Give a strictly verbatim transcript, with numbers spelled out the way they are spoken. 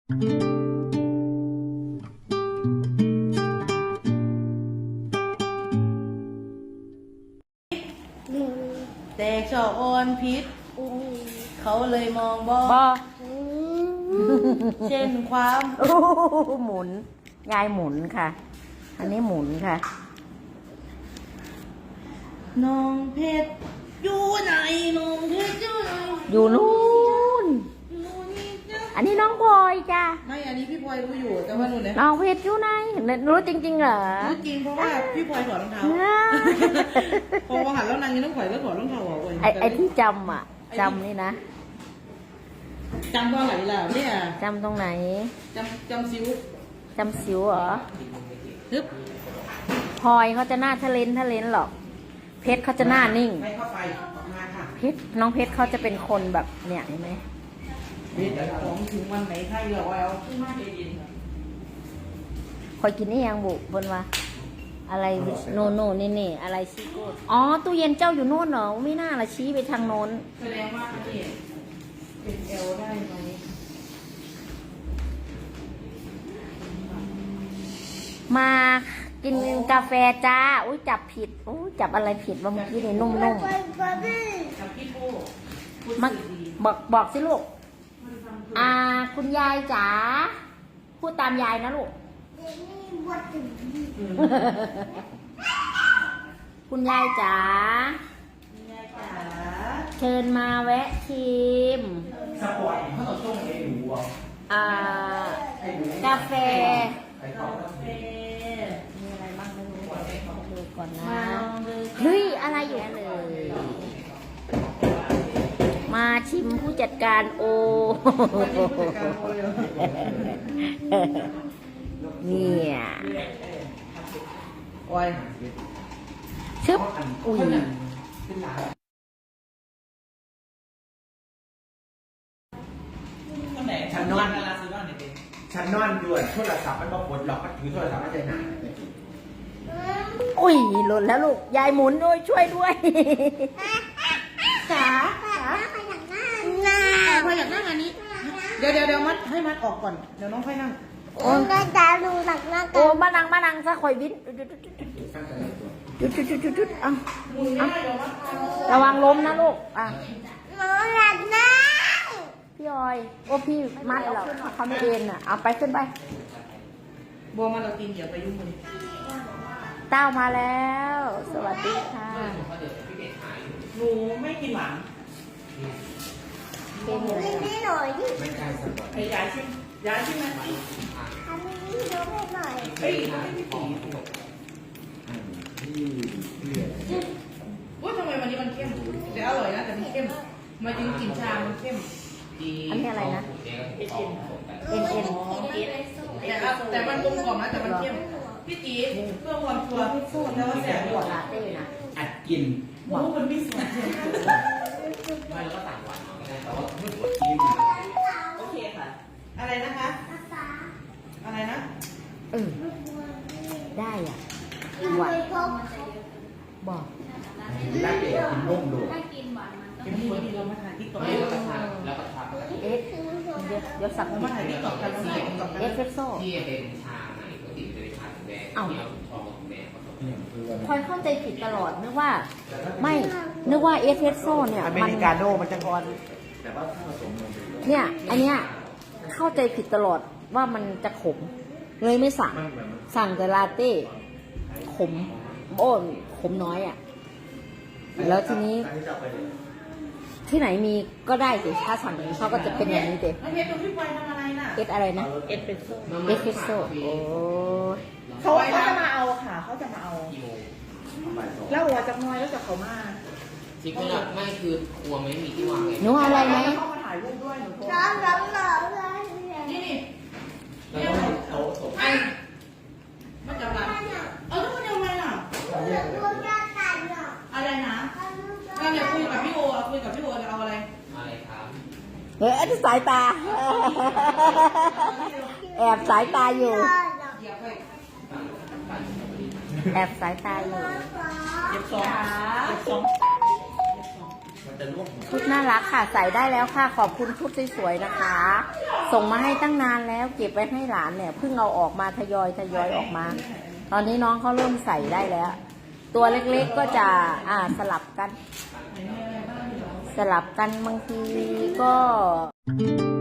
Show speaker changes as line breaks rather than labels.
แต่ชอบอ่อนพิษเขาเลยมองบอบ
อ
เช่นความ
โอ้โหหมุน ยายหมุนค่ะ อันนี้หมุนค่ะ
น้องเพชรอยู่ไหนน้องเพชรอยู่ไหน
อยู่นู่น
อยู่นี่จ้ะ
อันนี้น้องพลอยจ้ะ
ไม่อันนี้พี่พลอยรู้อยู่แต่ว่าหนูเนี่ย
น้องเพชรอยู่ไหนรู้จริงๆเหรอ
รู้จริงเพราะว่าพี่พลอยถอดรองเท้าพอหันแล้วนางยังต้องถอยแล้วถอดรองเท้าออกเลย
ไอไอที่จำอ่ะจำนี่นะ
จำว่าไหนล่ะเนี่ย
จำตรงไหน
จำจำซิว
จำสิวเหรอ
ฮึบ
พลอยเขาจะหน้าทะเลนทะเลนหรอก เพชรเขาจะหน้านิ่ง
ไม่เข้าไปออกมาค่ะ
เพชรน้องเพชรเขาจะเป็นคนแบบเนี่ยเห็นไหม
เพชรของถึงวันไหนใครเหรอเอาขึ้นมาใจเย็น
คอยกินนี่ยังบุบนว่าอะไรโนโนนี่นี่อะไรซีโก้อ๋อตู้เย็นเจ้าอยู่โน่นเหรอไม่น่าละชี้ไปทางโน้น
แสดงว่าอันนี้เป็นเอลได้ไหม
มากินกาแฟจ้าอุ้ยจับผิดอุ้ยจับอะไรผิดว่าเมื่อกี้นี่นุ่ม
กับพี่โป้พูด
ๆมา
สื่อดี
บอกบอกสิลูกอ่าคุณยายจ๋าพูดตามยายนะลูก คุณยายจ๋า
คุณยายจ๋า
เชิญมาแวะชิม
สปอร์ตเขาต้องส่งเองหัว
อ่ากาแฟ
กาแฟ
มีอะไรบ้างไม่รู้ดูก่อนนะ
มาลองดู
เฮ้ย อะไรอยู่เลย มาชิมผู้จัดการโอ
วันนี้ผู้จัดการโอยเหรอ
เนี่ย
โอ้ย
ชึบอุ้ย
ฉันนอนฉันนอนด่วนโทรศัพท์มันบอกปลดล็อกมันถือโทรศัพท์ไม่ใจหนา
อุ้ยหล่นแล้วลูก ยายหมุนด้วยช่วยด้วย
จ๋าจ๋าพออยากนั่งอันนี้ เดี๋ยวเดี๋ยวเดี๋ยวมัดให้มัดออกก่อน เดี๋ยวน้องค่อยนั่ง
โอ้โอ้มานังมานังซะคอยวินจุดจุดจุดจุดจุดเอาเอาระวังล้มนะลูกอ่ะพี่ออย โอ้พี่มัดเหรอเขาไม่เอ็นอ่ะ เอาไปขึ้นไป
บัวมาเรากินอย่าไปยุ่งมัน
เต้ามาแล้ว สวัสดีค่ะ
หนูไม่กินหวาน
เป็นยังไง
ไม่ใช่สปอร์ต
ไอ้ยายชิมยายชิมไหมเฮ้ยไม่ได้ผีว่าทำไมวันนี้มันเข้มแต่อร่อยนะแต่มันเข้มมาจริงกลิ่นชา มันเข้ม
อันนี้อะไรนะ
เอ็นเอ็น
เอ็นเอ็น
แต่ว่าแต่มันกลมกล่อมนะแต่มันเข้มพี่ตีเพื่อความชัวร์แล้วว่าแสบหัว
ลาเต้นะ
อัดกิน
หมูมันไม่สวย
ไม่แล้วก็ต่างหวานเอาไม่ได้แต่ว่าไม่ปวดกิน
โอเคค่ะ อะไรนะคะอะไรนะ
เออได้อ่ะหวานบอก
รักเด็กกินนุ่มดู
เป็นที่ที่เรามาถ่ายติ๊กต็อก
แล้วก็ทานแล้วก็ทาน
เอสเดี๋ยวเดี๋ยวสัก
เรามาถ่ายติ๊กต็อกกันเราถ่ายติ๊กต็อกกัน
เอสเฟรสโซ่
ที่เป็นชาไหนปกติจะเป็นชาแดงที่เอาทองแดงผสม
พลอยเข้าใจผิดตลอดนึกว่า ไม่ นึกว่าเอสเฟรสโซ่เนี่ย
อเม
มัน
ริกาโน่มันจะอ่อนแต่ว่าถ้าผสมนม
เนี่ย อันเนี้ยเข้าใจผิดตลอดว่ามันจะขม เลยไม่สั่ง
มันเหมือน
สั่งแต่ลาเต้ ขม โอ้ขมน้อยอ่ะ แล้วทีนี้
อันนี้จะเอาไปเลย
ที่ไหนมีก็ได้สิถ้าสั่งอย่างนี้เขาก็จะเป็นอย่างนี้เด็
น้องเพชรดูพี่พลอยทำอะไรน่ะ
เอสอะไรนะ
เอ็ดเป็นโซ่
เอสเฟรสโซ่โอ้ย
เขาเขาจะมาเอาค่ะเขาจะมาเอา
กิโล
บ่ายสอง
แล้วหัวจะน้อยแล้วจะเขามา
จริงๆอะไม่คือครัวไม่มีที่วางเลย
หนูเอาอะไรไหม
แล้วเขามาถ่ายรูปด้วยหนูโทร
นี่นี่
แล้วก็โต๊ะส่ง
ไอ้มาจับหลังเออทุกคนยังไงล่ะอะไรนะเราเนี่ยคุยกับพี่โออะคุยกับพี่โอจะเอาอะไร
อะไรครับ
เฮ้ยอันนี้สายตา แอบสายตาอยู่
เดี๋ยวไป
แอบสายตาอยู่
เก็บสองเก็บสอง
มันจะลวก
ชุดน่ารักค่ะ ใส่ได้แล้วค่ะ ขอบคุณชุดสวยๆนะคะส่งมาให้ตั้งนานแล้วเก็บไว้ให้หลานเนี่ยเพิ่งเอาออกมาทยอยทยอยออกมา ตอนนี้น้องเขาเริ่มใส่ได้แล้ว ตัวเล็กๆก็จะอ่าสลับกัน สลับกันบางทีก็